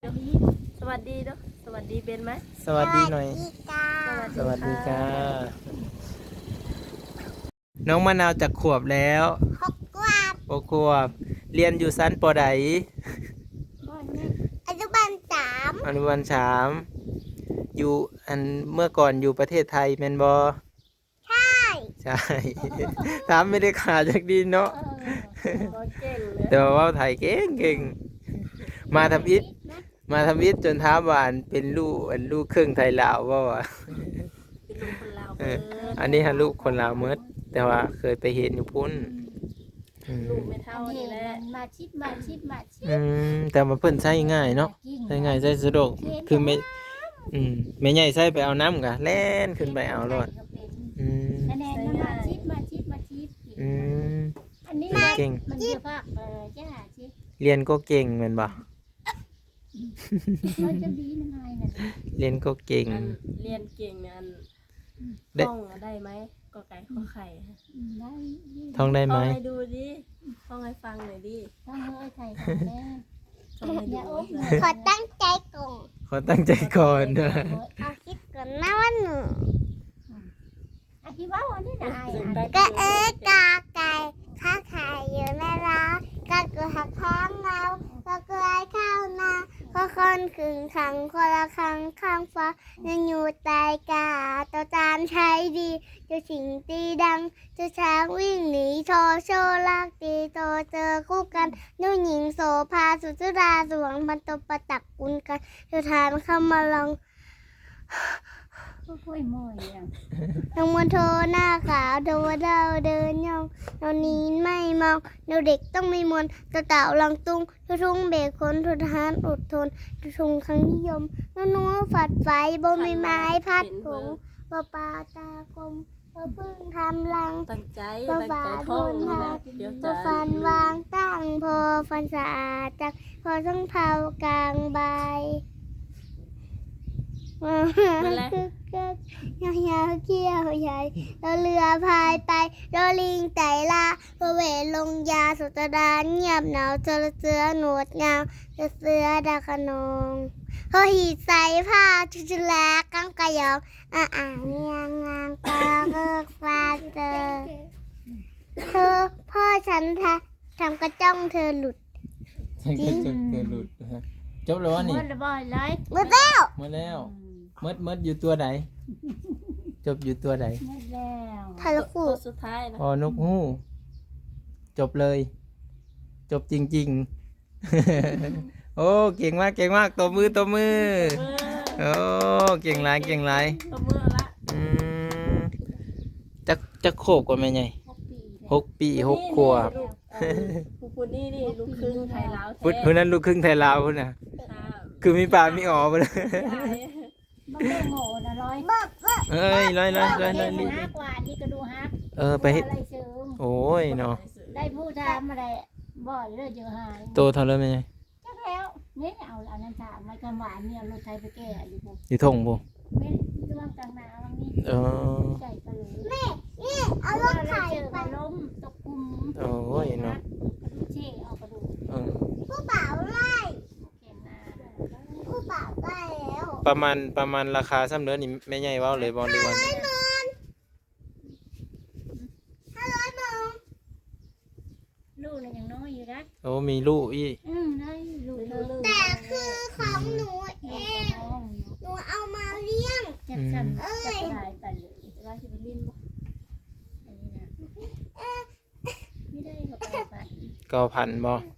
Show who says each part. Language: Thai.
Speaker 1: สวัสดีเนาะสวัสดีเป็นไหม
Speaker 2: สวัสดีหน่อย สวัสดี
Speaker 1: ค่ะ
Speaker 2: ค่ะน้องมะนาวจากขวบแล้ว
Speaker 3: 6 ขวบ
Speaker 2: 6 ขวบเรียนอยู่ชั้นปอใด
Speaker 3: อนุบาล 3
Speaker 2: อนุบาล 3อยู่เมื่อก่อนอยู่ประเทศไทยแม่นบ่
Speaker 3: ใช่
Speaker 2: ใช่ ถามไม่ได้ขาดจากดีเนาะ
Speaker 1: ก็เก่งเลย
Speaker 2: แต่ว่าไทยเก่งมาทำอิฐจนท้ามว่าเป็นลูกครึ่งไทยลาวบ่วะ
Speaker 1: เป็นลูกคนลาว
Speaker 2: เอ
Speaker 1: เบิ
Speaker 2: อ
Speaker 1: ด
Speaker 2: อันนี้ฮะลูกคนลาวเมดแต่ว่าเคยไปเห็นอยู่พุ่น
Speaker 1: ลูกไม่เท่านี่แหละ
Speaker 4: มาชิป
Speaker 2: แต่มาเพิ่นใช้ง่ายเนาะใช้ง่ายใช้สะดวกคือแม่ใหญ่ใช้ไปเอาน้ำกะแล่นขึ้นไปเอารถ
Speaker 4: คะแนนมาชิป
Speaker 2: อืม
Speaker 4: อันนี้
Speaker 2: เก่ง
Speaker 4: มันเยอะมากจ้าชิป
Speaker 2: เรียนก็เก่งแม่นบ่
Speaker 4: มันจะดียังไงน่ะ
Speaker 2: เรียนก็เก่ง
Speaker 1: อันเรียนเก่งเนี่ยอัน
Speaker 2: ได้
Speaker 1: ท่องได้ไหมก็ไก่ข้อไข่
Speaker 4: ได้
Speaker 2: ท่องได้ไหม
Speaker 1: ท่องให้ดูดิท่องให้ฟังหน่อยดิ
Speaker 4: ต้องเอ้ยไทยของแม่
Speaker 1: ท่องให้
Speaker 4: อย่า
Speaker 1: ดู
Speaker 4: โอ๊บ
Speaker 1: ว่า
Speaker 3: ขอตั้งใจก่อน
Speaker 2: ขอตั้งใจก่อนนะ
Speaker 3: เอาคิดก่อนนะว่าหนู
Speaker 4: อธิว่าวันนี้ได้
Speaker 3: ก็กาไก่ข้าไข่อยู่ในร้านก็เกิดหักข้างเราก็เกลือข้าวนาก็คนขึงขังคนละครังข้างฟ้ายังอยู่ใต้กาตัวจานใช้ดีเจ้าสิงตีดังเจ้าช้างวิ่งหนีโชว์โชว์ลากตีโตเจอคู่กันนุ่งหญิงโสภาสุจุราสวงพันตบประตักกุนกันเจ้าทานเข้ามาลอง
Speaker 4: ก็ค่อยมอยอย่าง
Speaker 3: น้องมันโทหน้าขาวโดวดาวเดินย่องเรานี้ไม่มองเราเด็กต้องมีมนต์ตะเต่าลังตุ้งทุทุ่งเบกคนทุทหารอดทนทุทุงครั้งนิยมนัวฝัดไฟบ่มีไม้พัดผงบ่ปลาตากลมบ่พึ่งทำรัง
Speaker 1: ตั้งใจ
Speaker 3: บ่
Speaker 1: ตั้ง
Speaker 3: ฝา
Speaker 1: ใจ
Speaker 3: ท
Speaker 1: ท่อง
Speaker 3: น
Speaker 1: นี่
Speaker 3: หั
Speaker 1: นะ
Speaker 3: ก
Speaker 1: เดี๋ยว
Speaker 3: บ่
Speaker 1: จะ
Speaker 3: ฟันวางตั้งพอฟันสะอาดจักพอต้องเผากลางใบ
Speaker 1: นั่นแหละ
Speaker 3: ยาวๆเกี้ยวใหญ่เราเรือพายไปเราลิงไต่ลาพระเวทลงยาสุตดานเงียบหนาวเจอเสือหนวดงามเสือดาขนองเขาหีดใส่ผ้าชุลากังกะยองเงียงงางปลาเบิกฟ้าเจอเธอพ่อฉันทำกระจ้องเธอหลุด
Speaker 2: ใช่ก็จบเธอหลุดนะฮะจบแล้ววะนี่
Speaker 4: มันบ่อยไร
Speaker 3: หมดแล้ว
Speaker 2: หมดแล้วมดอยู่ตัวไหนจบอยู่ตัวไหน
Speaker 4: หมดแล้ว
Speaker 3: ทะลุ
Speaker 1: ตัวสุดท้ายนะ
Speaker 2: อ๋อนกฮูกจบเลย จบจริงๆ โอ้เก่งมากตบมือ
Speaker 1: เออ
Speaker 2: โอ้เก่งหลาย
Speaker 1: ตัวมือละ
Speaker 2: อืมจะโคกกว่าแม่ใหญ่
Speaker 4: 6 ปี
Speaker 2: 6 ปี 6 ขวบ
Speaker 1: ลูกผู้พูดนี่ลูกครึ่งไทยลาวแท้
Speaker 2: พุ่นนั้นลูกครึ่งไทยลาวพุ่นน่ะ
Speaker 1: ค่ะ
Speaker 2: คือมีปากมีอ๋อไปเลย
Speaker 1: ใช่
Speaker 4: มันได้โง่นะร้อย
Speaker 2: เอ้ยร้อย
Speaker 4: ได้
Speaker 2: รีบ
Speaker 4: ฮักว่านี่ก็ดูฮัก
Speaker 2: ไปเฮ็ด
Speaker 4: อะไรเสริม
Speaker 2: โอ้ยเนาะ
Speaker 4: ได้ผู้ทำอะไรบ่อยเลยเยอะหาย
Speaker 2: โตเท่าเลยแม่ใหญ่
Speaker 4: จักแล้วนี่เอาอันนั้นถามมากันหวานเนี่ยรถไทยไปแก้อยู่ปุ๊บ
Speaker 2: อยู่ทงบ่
Speaker 4: ไม่ช่วงกลางหนาวนี่
Speaker 2: เออ
Speaker 4: ใจไปเลย
Speaker 3: นี่เอารถไถ
Speaker 4: เจอ
Speaker 3: ไป
Speaker 4: ไปล้มตกกุม
Speaker 2: โอ้ยเนาะ
Speaker 4: เช่เอากระดูก
Speaker 2: เออ
Speaker 3: ผู้บ่าวไล่
Speaker 4: แขนหน้า
Speaker 3: ผู้บ่าวไล่แล้ว
Speaker 2: ประมาณราคาซ้ำเด้อนี่แม่ใหญ่เว้าเลยบ่ดีกว่า
Speaker 3: 500 หมื่น
Speaker 4: ลูกเนี่ยยังน้อยอยู่นะ
Speaker 2: โอ้มีลูกอีก
Speaker 4: ได้ลูกเธอ
Speaker 3: แต่คือของหนูเอง
Speaker 4: น้อง
Speaker 3: หนูเอามาเลี้ยง
Speaker 4: จับฉันจับได้ไปเลย
Speaker 1: ว่าสิไปลิ้นบ่
Speaker 4: อันนี้นะไม่ได้เขาไป
Speaker 2: 9,000บ่